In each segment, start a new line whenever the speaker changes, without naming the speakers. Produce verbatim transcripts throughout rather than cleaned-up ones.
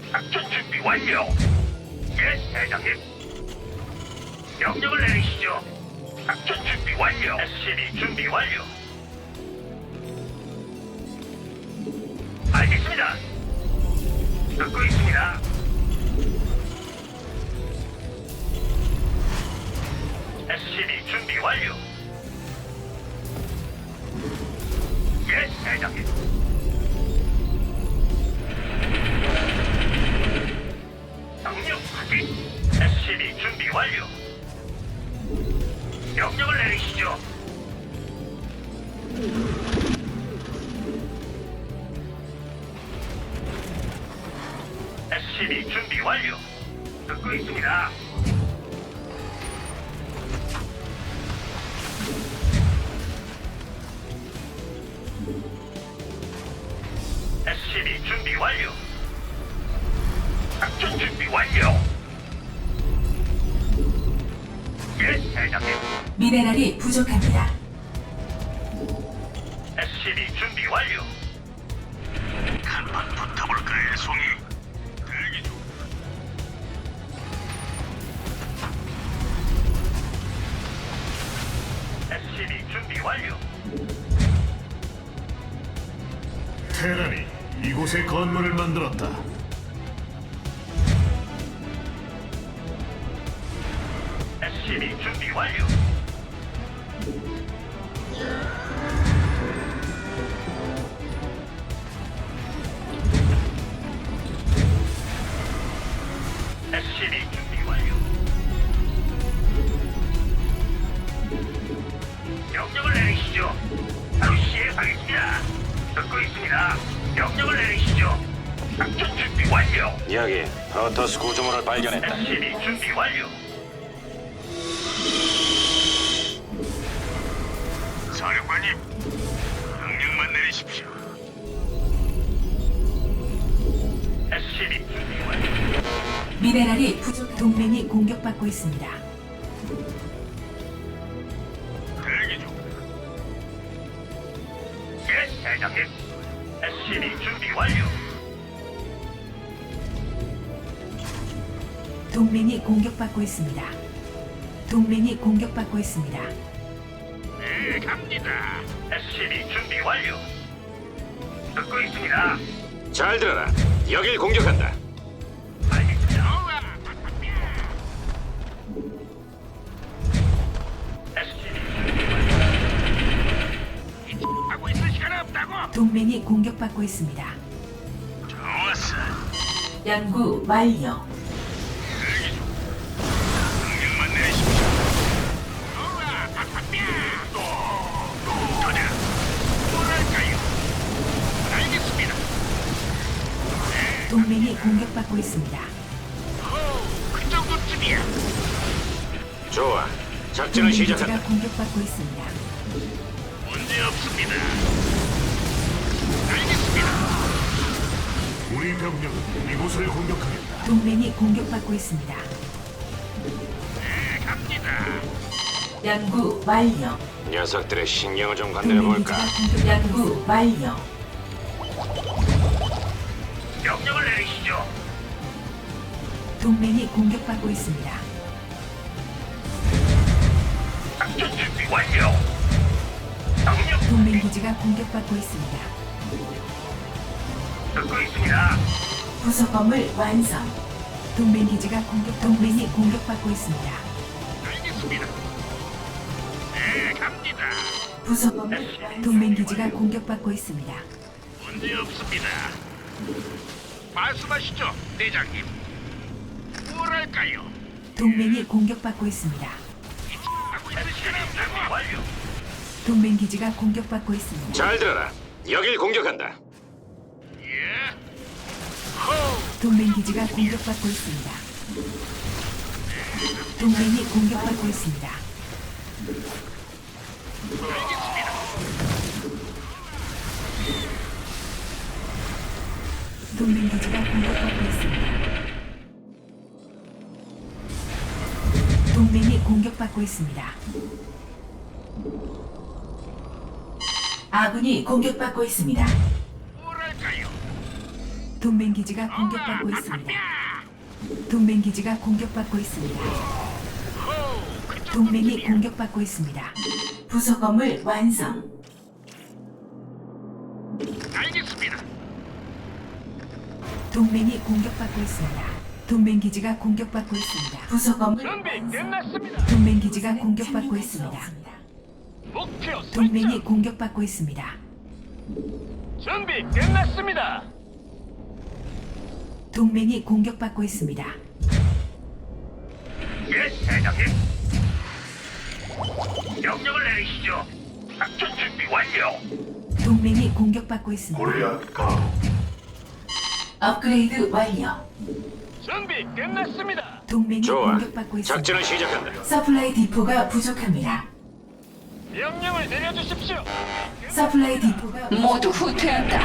작전 준비 완료. 예, 대장님. 명령을 내리시죠. 작전 준비 완료. 에스씨비 준비 완료. 알겠습니다. 듣고 있습니다. 에스씨비 준비 완료. 예, 대장님. 명령 확인. 에스씨비 준비 완료. 명령을 내리시죠. 에스씨비 준비 완료. 듣고 있습니다. 에스씨비 준비 완료. 작전 준비 완료. 예, 대장님.
미네랄이 부족합니다.
에스씨비 준비 완료. 간판 붙어볼까요, 송이? 대기 중. 에스씨비 준비 완료.
테란이 이곳에 건물을 만들었다.
에스씨비 준비 완료. 에스씨비 준비 완료. 명령을 내리시죠. 바로 시행하겠습니다. 듣고 있습니다. 명령을 내리시죠. 작전 준비 완료.
여기 프로토스 구조물을 발견했다.
에스씨비 준비 완료. 사령관님, 명령만 내리십시오. 에스씨비 준비 완료.
미네랄이 부족. 동맹이 공격받고 있습니다.
대기 중. 예, 대장님. 에스씨비 준비 완료.
동맹이 공격받고 있습니다. 동맹이 공격받고 있습니다.
네, 갑니다. 에스씨비 준비 완료. 듣고 있습니다.
잘 들어라. 여길 공격한다.
알겠습니다. 에스씨비 준비 완료. 하고 있을 시간 없다고.
동맹이 공격받고 있습니다.
좋았어.
연구 완료.
대기 중. 명령만 내리십시오. 우와, 박박비야. 또, 또, 터져. 뭐랄까요? 알겠습니다. 네,
동맹이 공격받고 있습니다.
오, 그 정도쯤이야.
좋아. 작전을
동맹
시작한다.
기지가 공격받고 있습니다.
문제 없습니다. 알겠습니다.
우리 병력은 이곳을 공격하겠다.
동맹이 공격받고 있습니다.
네, 갑니다.
연구 완료.
녀석들의 신경을 좀 건드려
동맹
볼까?
기지가 공격. 연구 완료.
명령을 내리시죠.
동맹이 공격받고 있습니다.
작전 준비 완료. 명령
동맹 기지가 공격받고 있습니다.
듣고 있습니다.
부속 건물 완성. 동맹 기지가 공격. 동맹이 공격받고 있습니다.
알겠습니다. 네, 갑니다.
부속 건물 완성. 동맹 기지가 공격받고 있습니다.
문제 없습니다. 말씀하시죠, 대장님. 뭐랄까요?
동맹이 공격받고 있습니다.
하고 있을 시간 없다고. 완료.
동맹 기지가 공격받고 있습니다.
잘 들어라. 여길 공격한다.
예. 호.
동맹 기지가 공격받고 있습니다. 동맹이 공격받고 있습니다.
알겠습니다.
동맹 기지가 공격받고 있습니다. 동맹이 공격받고 있습니다. 아군이 공격받고 있습니다.
뭐랄까요?
동맹 기지가 공격받고 있습니다. 동맹 기지가 공격받고 있습니다. 동맹이 공격받고 있습니다. 부속 건물 완성.
알겠습니다.
동맹이 공격받고 있습니다. 동맹 기지가 공격받고 있습니다. 부속 건물
준비
완성.
끝났습니다.
동맹 기지가 공격받고 있습니다.
목표
동맹이
설정.
공격받고 있습니다.
준비 끝났습니다.
동맹이 공격받고 있습니다.
예, 대장님. 명령을 내리시죠. 작전 준비 완료.
동맹이 공격받고 있습니다.
골리앗 가도.
업그레이드 완료.
준비 끝났습니다.
동맹이
좋아.
공격받고 있습니다.
작전을 시작한다.
서플라이 디포가 부족합니다.
명령을 내려주십시오.
서플라이 디포가
모두 후퇴한다.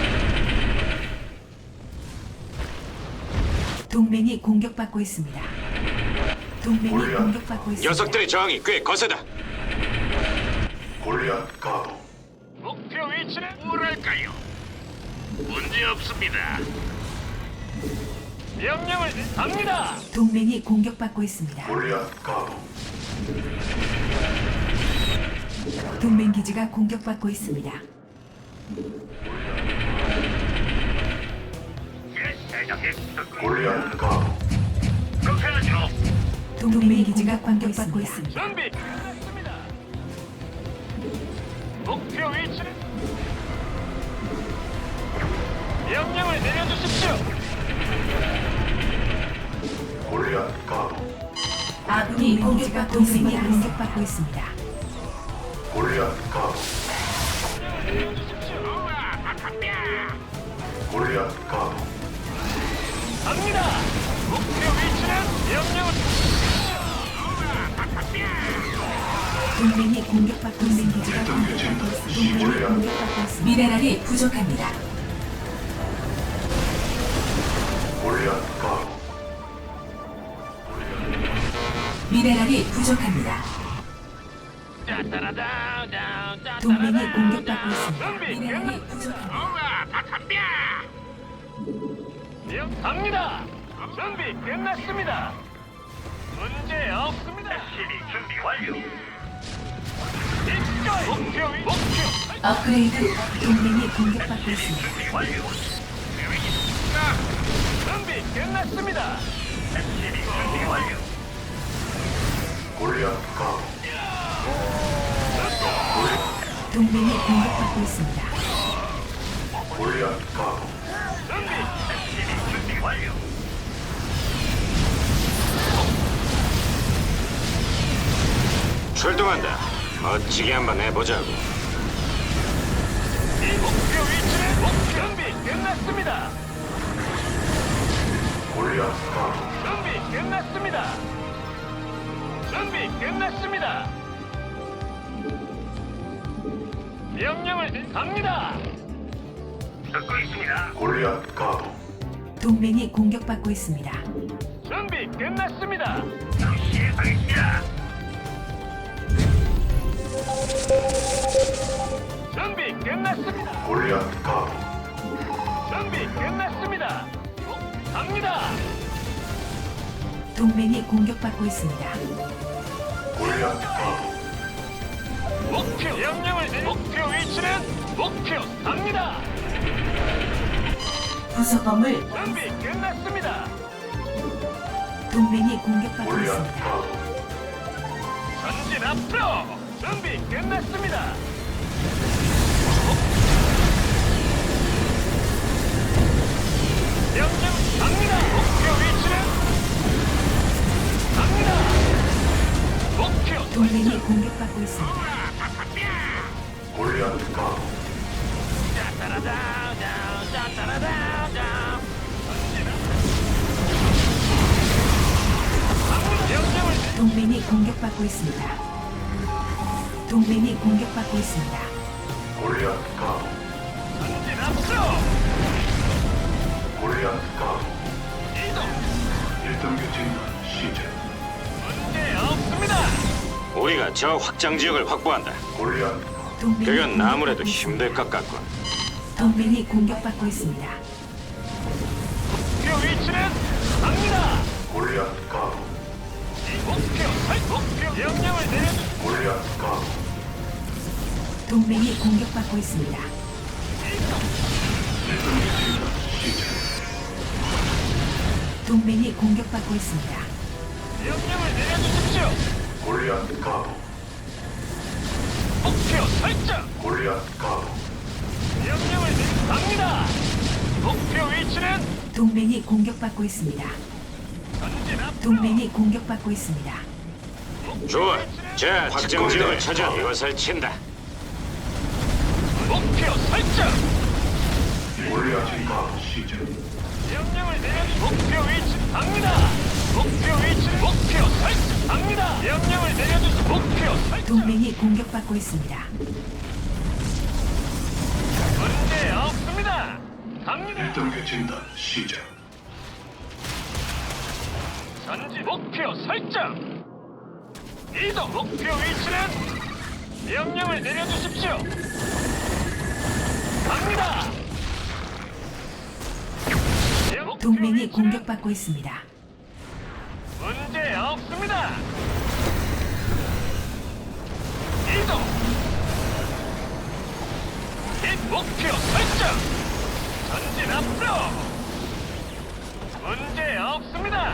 동맹이 공격받고 있습니다. 동맹이 공격받고 있습니다.
녀석들의 저항이 꽤 거세다.
골리앗 가도.
목표 위치는 뭐랄까요? 문제 없습니다. 명령을 내- 갑니다.
동맹이 공격받고 있습니다.
골리앗 가도.
동맹 기지가 공격받고 있습니다.
예, 대장님. 듣고
골리앗 가도.
그렇게 하죠.
동맹 기지가 공격받고 있습니다.
준비 끝났습니다. 목표 위치는 명령을 내려주십시오.
골리앗 가도.
아군이 공격받 동맹이 공격받고 있습니다.
골리앗 가도.
내려주십시오.
골리앗 가도.
갑니다. 목표 위치는 명령을
동맹이 공격받고 동맹 기지가 공격받고 있습니다. 동맹이 공격받고 있습니다. 미네랄이 부족합니다.
골리앗 가도.
미네랄이 부족합니다. 동맹이 공격받고 있습니다.
준비
미네랄이 부족합니다.
명 갑니다. 준비 끝났습니다. 문제 없습니다. 에스시비 준비 완료. 입가에 목표 위 목표
업그레이드 동맹이 공격받고 있습니다.
준비 완료. 계획 있습니까? 준비 끝났습니다. 에스시비 준비 완료.
골리앗 가도.
동맹이 공격받고 있습니다.
골리앗 가도.
준비 에스시비 준비 완료.
출동한다. 멋지게 한번 해보자고.
이 목표 위치는 목표 준비 끝났습니다.
골리앗 가도.
준비 끝났습니다. 준비 끝났습니다. 명령을 내- 갑니다. 듣고 있습니다.
골리앗 가도.
동맹이 공격받고 있습니다.
준비 끝났습니다. 시행하겠습니다. 준비 끝났습니다.
골리앗 가도.
준비 끝났습니다. 어, 갑니다.
동맹이 공격받고 있습니다.
골리앗 가도.
목표 명령을 내리 목표 위치는 목표 갑니다.
부속 건물
준비 끝났습니다.
동맹이 공격받고
골리앗
있습니다.
가도.
전진 앞으로. 준비 끝났습니다. 명령 갑니다. 목표 위치는 갑니다. 목표
동맹이 공격받고 있습니다.
골리앗 가도.
명령을
동맹이 공격받고 있습니다. 동맹이 공격받고 있습니다.
골리앗 가도.
전진 앞으로
골리앗 가도.
이동.
일 단계 진단 시작.
문제 없습니다.
우리가 저 확장 지역을 확보한다.
골리앗
동맹이
그건 아무래도
공격받고 있습니다.
힘들 것 같군.
동맹이 공격받고 있습니다.
위치는 갑니다.
골리앗 가도
이 목표 설 목표 명령을 내려주.
골리앗 가도
동맹이 공격받고 있습니다.
일등 교체는 시작.
동맹이 공격받고 있습니다.
명령을 내려주십시오.
골리앗 가도
목표 설정.
골리앗 가도
명령을 내려 갑니다. 목표 위치는
동맹이 공격받고 있습니다.
전진 앞으로.
동맹이 공격받고 있습니다.
좋아. 자, 확장 지역을 찾아 이것을 친다.
목표 설정.
골리앗 가도 시작.
명령을 내려주. 목표 위치 갑니다. 목표 위치 목표 설정 갑니다. 명령을 내려주시. 목표 설정.
동맹이 공격받고 있습니다.
문제 없습니다. 갑니다.
일등 교체단 시작.
전진 목표 설정. 이동 목표 위치는 명령을 내려주십시오. 갑니다. 목표
동맹이
위치는
공격받고 있습니다.
문제 없습니다. 이동. 이 목표 설정. 전진 앞으로. 문제 없습니다.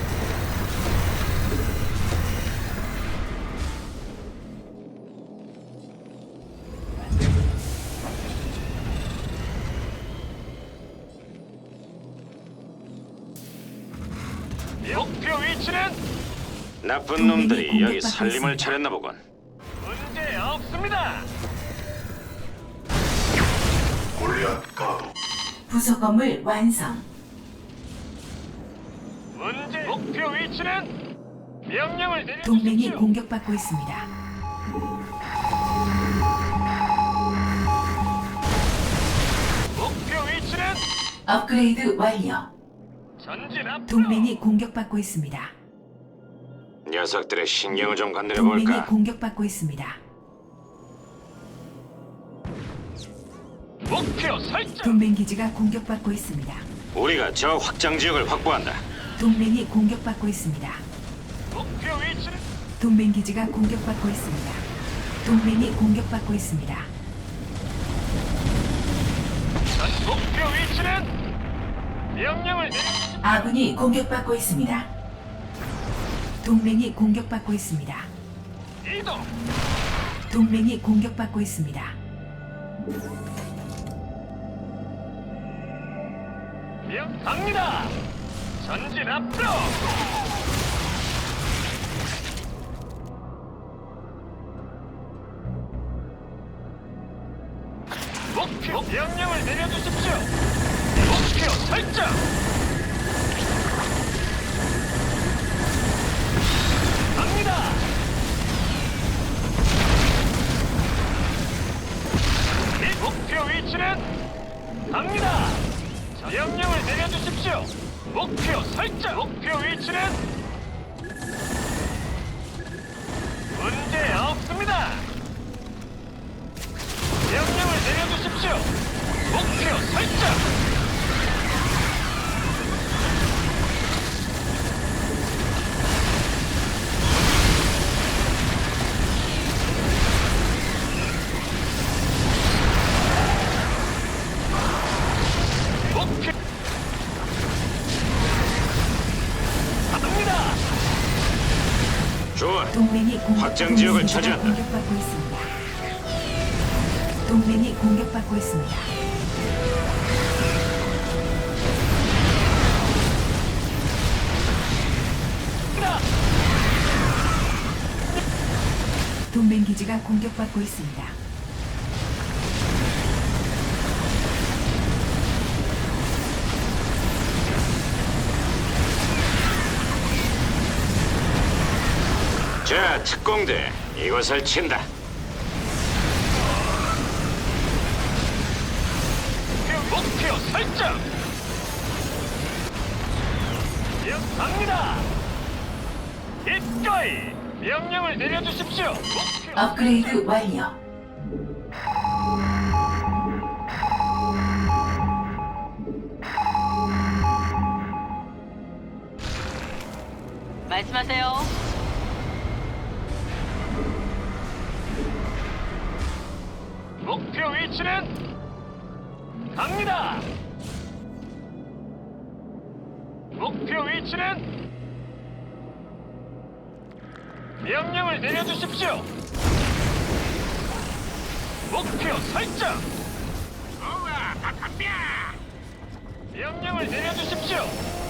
목표 위치는
나쁜 놈들이
동맹이
여기
공격받고
살림을
있습니다.
차렸나 보군.
문제 없습니다.
골리앗 가도
부속 건물 완성.
문제 목표 위치는 명령을
동맹이
내려주십시오.
공격받고 있습니다.
목표 위치는
업그레이드 완료.
전진 앞으로.
동맹이 공격받고 있습니다.
녀석들의 신경을 좀 건드려
동맹이
볼까?
공격받고 있습니다.
목표 설정.
동맹 기지가 공격받고 있습니다.
우리가 저 확장 지역을 확보한다.
동맹이 공격받고 있습니다.
목표 위치는
동맹 기지가 공격받고 있습니다. 동맹이 공격받고 있습니다.
전 목표 위치는 명령을 내려.
아군이 공격받고 있습니다. 동맹이 공격받고 있습니다.
이동.
동맹이 공격받고 있습니다.
명 갑니다. 전진 앞으로. 목표 명령을 내려주십시오. 목표 설정. 갑니다. 이 목표 위치는 갑니다. 명령을 내려주십시오. 목표 설정. 목표 위치는 문제 없습니다. 명령을 내려주십시오. 목표 설정. 목표 갑니다.
좋아.
동맹이 공격받고
확장 지역을
있습니다.
차지한다.
공격받고 있습니다. 동맹이 공격받고 있습니다.
갑니다.
동맹 기지가 공격받고 있습니다.
자, 특공대 이것을 친다.
목표 설정. 명 갑니다. 기꺼이 명령을 내려주십시오. 목표
업그레이드 완료.
말씀하세요.
목표 위치는 갑니다. 목표 위치는 명령을 내려주십시오. 목표 설정. 명령을 내려주십시오.